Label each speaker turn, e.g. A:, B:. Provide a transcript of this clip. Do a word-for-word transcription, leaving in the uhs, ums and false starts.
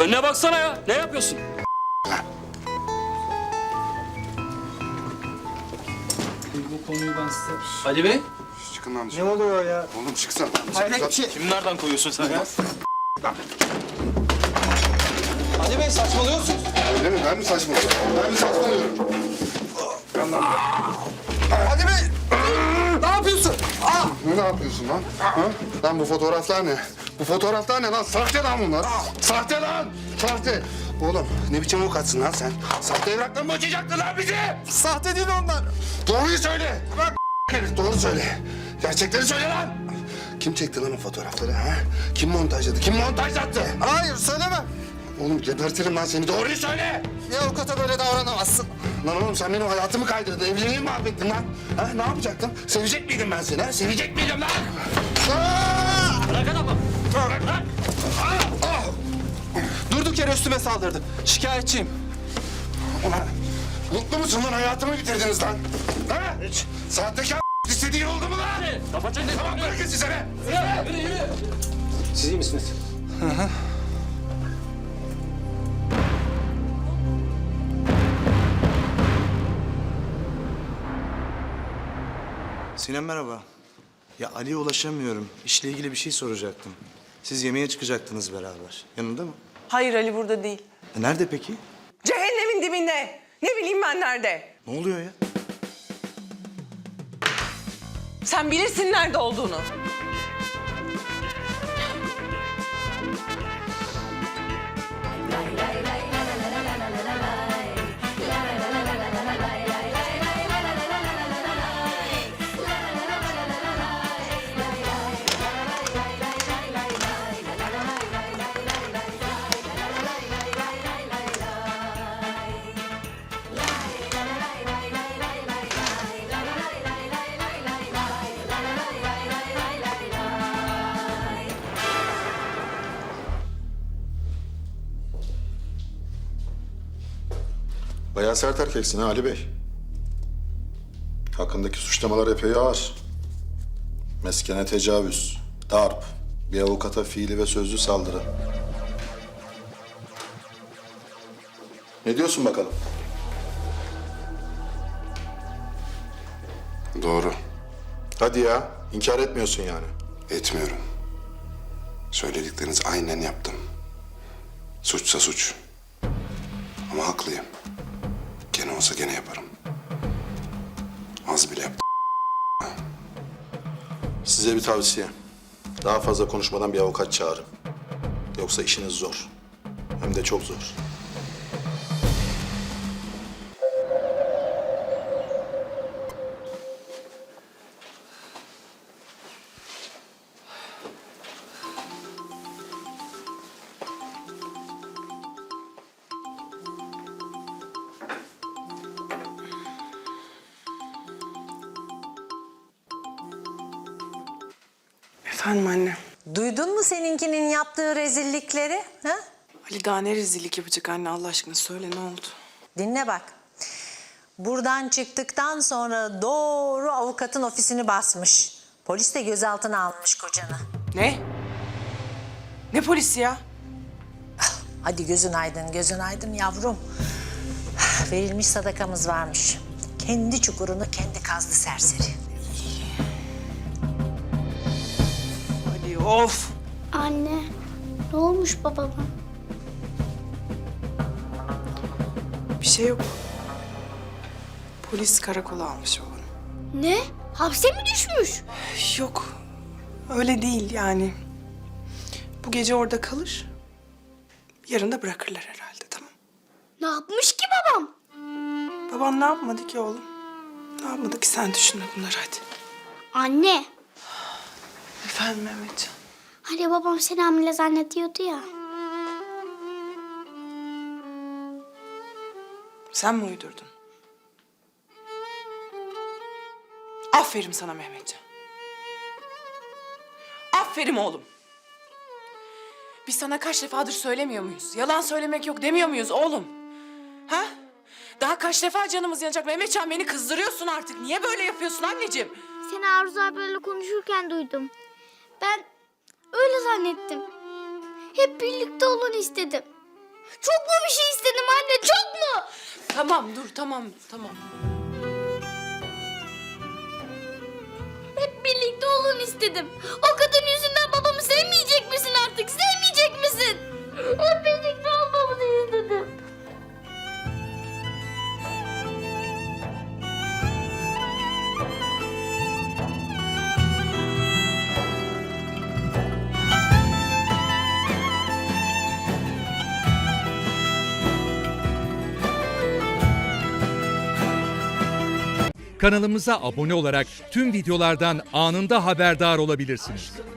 A: Önüne baksana ya. Ne yapıyorsun? Bu konuyu ben size... Ali Bey.
B: Çıkın lan
C: Ne
B: dışarı.
C: oluyor ya?
B: Oğlum çıksana.
C: Hayret bir şey.
A: Kimi nereden koyuyorsun sen ya?
C: Ali Bey saçmalıyorsunuz.
B: Öyle mi? Ben mi saçmalıyorum? Ben mi saçmalıyorum?
C: Ali Bey! Ne yapıyorsun? Aa!
B: Ne, ne yapıyorsun lan? Ha? Lan bu fotoğraflar ne? Bu fotoğraflar ne lan? Sahte lan bunlar. Sahte lan! Sahte! Oğlum ne biçim avukatsın lan sen? Sahte evrakla mı açacaktın lan bizi?
C: Sahte değil onlar.
B: Doğruyu söyle! Bak herif doğru söyle. Gerçekleri söyle lan! Kim çekti lan o fotoğrafları ha? Kim montajladı? Kim montajlattı?
C: Hayır söylemem.
B: Oğlum gebertirim lan seni. Doğruyu söyle!
C: Bir avukata böyle davranamazsın.
B: Lan oğlum sen benim hayatımı kaydırdın. Evliliğimi mahvettin lan. Ha, ne yapacaktın? Sevecek miydim ben seni ha? Sevecek miydim lan? Aa!
A: Bırak adamı.
B: Bırak lan!
C: Durduk yere üstüme saldırdı. Şikayetçiyim.
B: Ulan mutlu musun lan? Hayatımı bitirdiniz lan. Ha? Hiç. Sahtekar istediğin oldu mu lan?
A: Kafa çek.
B: Tamam bırakın size be.
A: Yürü, yürü, yürü.
C: Siz iyi misiniz? Hı hı.
D: Sinem merhaba. Ya Ali'ye ulaşamıyorum. İşle ilgili bir şey soracaktım. Siz yemeğe çıkacaktınız beraber. Yanında mı?
E: Hayır Ali burada değil.
D: E, nerede peki?
E: Cehennemin dibinde. Ne bileyim ben nerede.
D: Ne oluyor ya?
E: Sen bilirsin nerede olduğunu.
F: Bayağı sert erkeksin ha Ali Bey. Hakkındaki suçlamalar epey ağır. Meskene tecavüz, darp, bir avukata fiili ve sözlü saldırı. Ne diyorsun bakalım?
B: Doğru.
F: Hadi ya, inkar etmiyorsun yani.
B: Etmiyorum. Söyledikleriniz aynen yaptım. Suçsa suç. Ama haklıyım. Gene olsa gene yaparım. Az bile yaptım.
F: Size bir tavsiye. Daha fazla konuşmadan bir avukat çağırın. Yoksa işiniz zor. Hem de çok zor.
E: Efendim anne.
G: Duydun mu seninkinin yaptığı rezillikleri? Ha?
E: Ali daha ne rezillik yapacak anne Allah aşkına söyle ne oldu?
G: Dinle bak. Buradan çıktıktan sonra doğru avukatın ofisini basmış. Polis de gözaltına almış kocanı.
E: Ne? Ne polisi ya?
G: Hadi gözün aydın, gözün aydın yavrum. Verilmiş sadakamız varmış. Kendi çukurunu kendi kazdı serseri.
E: Ali of.
H: Anne, ne olmuş babama?
E: Bir şey yok. Polis karakola almış oğlum.
H: Ne? Hapse mi düşmüş?
E: Yok. Öyle değil yani. Bu gece orada kalır. Yarın da bırakırlar herhalde tamam.
H: Ne yapmış ki babam?
E: Baban ne yapmadı ki oğlum? Ne yapmadı ki sen düşünme bunları hadi.
H: Anne,
E: Efendim Mehmetcan.
H: hani babam seni hamile zannediyordu ya.
E: Sen mi uydurdun? Aferin sana Mehmetcan. Aferin oğlum. Biz sana kaç defadır söylemiyor muyuz? Yalan söylemek yok demiyor muyuz oğlum? Ha? Daha kaç defa canımız yanacak Mehmetcan, beni kızdırıyorsun artık. Niye böyle yapıyorsun anneciğim?
H: Seni Arzu abiyle konuşurken duydum. Ben öyle zannettim. Hep birlikte olun istedim. Çok mu bir şey istedim anne, çok mu?
E: Tamam dur tamam tamam.
H: Hep birlikte olun istedim. O kadın yüzünden babamı sevmeyecek misin artık? Sevmeyecek misin? Hep birlikte olmamızı istedim.
I: Kanalımıza abone olarak tüm videolardan anında haberdar olabilirsiniz.